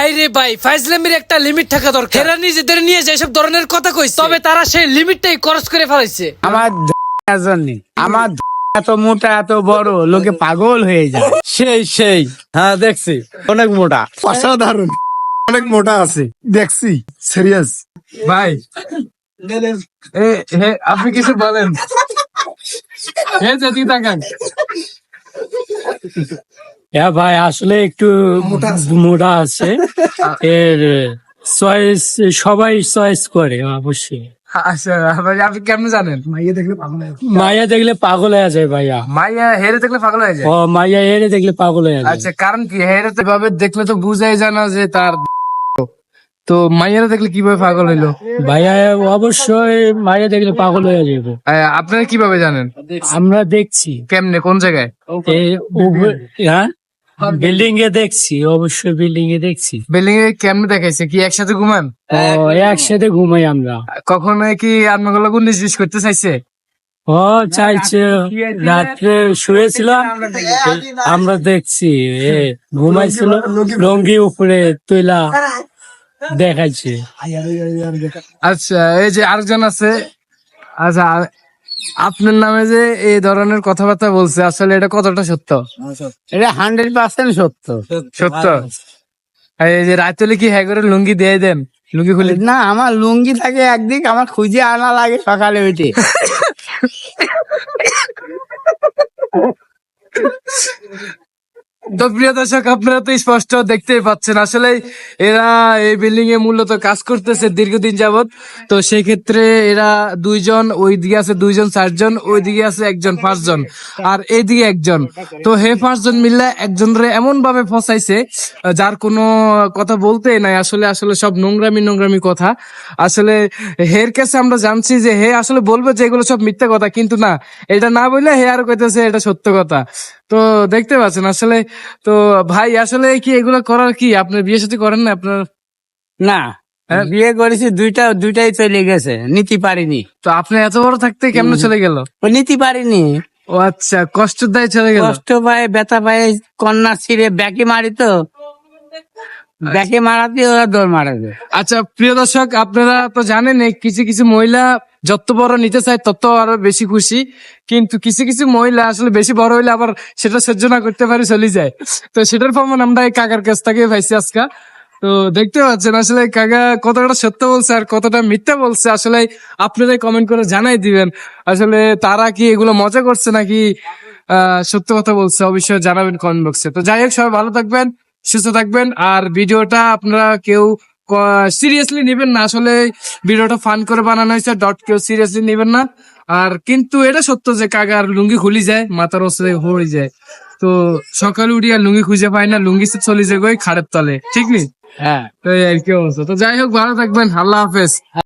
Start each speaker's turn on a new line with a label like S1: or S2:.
S1: ভাই রে ভাই, ফাইজলামির একটা লিমিট থাকা দরকার। এরা নিজেদের নিয়ে যেসব ধরনের কথা কইছে, তবে তারা সেই লিমিটটাই ক্রস করে ফেলাইছে।
S2: আমার আমার এত মোটা এত বড় লোকে পাগল হয়ে যায়।
S3: সেই হ্যাঁ দেখছি অনেক মোটা।
S4: অসাধারণ, অনেক মোটা আছে দেখছি, সিরিয়াস।
S3: ভাই আপনি কিছু বলেন। যদি তাকান
S5: হ্যাঁ ভাই, আসলে একটু মোটা আছে। এর চয়েস সবাই চয়েস করে অবশ্যই।
S3: আচ্ছা ভাই, আপনি কেমন জানেন?
S5: মাইয়া দেখলে পাগল হয়ে যায় ভাইয়া।
S3: মাইয়া হেরে দেখলে পাগল হয়ে যায়।
S5: ও মাইয়া এরে দেখলে পাগল হয়ে যায়।
S3: আচ্ছা, কারণ কি? হেরে তো ভাবে দেখলে তো বুঝাই যায় না যে তার, তো মাইয়ারা দেখলে কিভাবে পাগল হইলো?
S5: ভাইয়া অবশ্যই মাইয়া দেখলে পাগল হয়ে যাবো।
S3: আপনারা কিভাবে জানেন?
S5: আমরা দেখছি
S3: কেমনে, কোন জায়গায়?
S5: এই হ্যাঁ, বিল্ডিং এ দেখছি, অবশ্যই বিল্ডিং এ দেখছি।
S3: বিল্ডিং এ কেমনে দেখাইছে? কি একসাথে ঘুমান?
S5: ও একসাথে ঘুমাই আমরা।
S3: কখনো কি আপনাকে লোক 19-20 করতে চাইছে?
S5: ও চাইছে, রাত্রে শুয়েছিলাম, আমরা দেখছি ঘুমাইছিল, লঙ্গি উপরে তুইলা দেখাইছে।
S3: আচ্ছা, এই যে আরেকজন আছে। আচ্ছা, আপনার নামে যে এই ধরনের কথাবার্তা বলছে, আসলে এটা কতটা সত্য?
S2: এটা 100% সত্য।
S3: সত্য? এই যে রাত হলে কি হ্যাঁ করে লুঙ্গি দিয়ে দেন? লুঙ্গি খুলে?
S2: না, আমার লুঙ্গি থাকে একদিক, আমার খুঁজে আনা লাগে সকালে উঠে।
S3: তো প্রিয় দর্শক, আপনারা তো স্পষ্ট দেখতেই পাচ্ছেন, আসলে এরা এই বিল্ডিং এ মূলত কাজ করতেছে দীর্ঘদিন যাবত। তো সেই ক্ষেত্রে এরা দুইজন, ওইদিকে আছে দুইজন, 4 জন, ওইদিকে আছে 1 জন, 5 জন, আর এইদিকে 1 জন। তো হে 5 জন মিললে একজনরে এমন ভাবে ফসাইছে যার কোনো কথা বলতে নাই। আসলে আসলে সব নোংরামি কথা। আসলে হের কাছে আমরা জানছি যে হে আসলে বলবে যে এগুলো সব মিথ্যা কথা, কিন্তু না, এটা না বললে হে আর কইতেছে এটা সত্য কথা। তো দেখতে পাচ্ছেন আসলে। তো ভাই, আসলে কি এগুলো করার কি আপনার বিয়ে সাথে করেন না আপনার?
S2: না, বিয়ে করেছি, দুইটাই চলে গেছে, নিতে পারিনি।
S3: তো আপনি এত বড় থাকতে কেমনে চলে গেল?
S2: ও নিতে পারিনি,
S3: ও আচ্ছা, কষ্ট দেয় চলে গেল।
S2: কষ্ট পায়, ব্যথা পায়, কন্যা ছিঁড়ে ব্যাকে মারি, তো ব্যাকে মারাতে ওরা দৌড় মারাবে।
S3: আচ্ছা প্রিয় দর্শক, আপনারা তো জানেন কিছু কিছু মহিলা যত বড় নিতে চায় তত আরো বেশি খুশি, কিন্তু কিছু কিছু মহিলা আসলে বেশি বড় হইলে আবার সেটা সহ্য না করতে পারে, চলে যায়। তো সেটার প্রমাণ আমরা এই কাকার কাছ থেকে পাইছি আজকে। তো দেখতে পাচ্ছেন আসলে কাকা কতটা সত্য বলছে আর কতটা মিথ্যা বলছে, আসলে আপনারাই কমেন্ট করে জানাই দিবেন। আসলে তারা কি এগুলো মজা করছে নাকি সত্য কথা বলছে, অবশ্যই জানাবেন কমেন্ট বক্সে। তো যাই হোক, সবাই ভালো থাকবেন, সুস্থ থাকবেন। আর ভিডিওটা আপনারা কেউ সিরিয়াসলি নেবেন না, আসলে ভিডিওটা ফান করে বানানো হয়েছে, কেউ সিরিয়াসলি নেবেন না। আর কিন্তু এটা সত্য যে কাকার লুঙ্গি খুলি যায়, মাথার ওসরে হয়ে যায়। তো সকালে উঠিয়া লুঙ্গি খুঁজে পায় না, লুঙ্গি চলে যায় খাড়ের তলে, ঠিক নেই?
S2: হ্যাঁ,
S3: তো এই আর কি অবস্থা। তো যাই হোক, ভালো থাকবেন, আল্লাহ হাফেজ।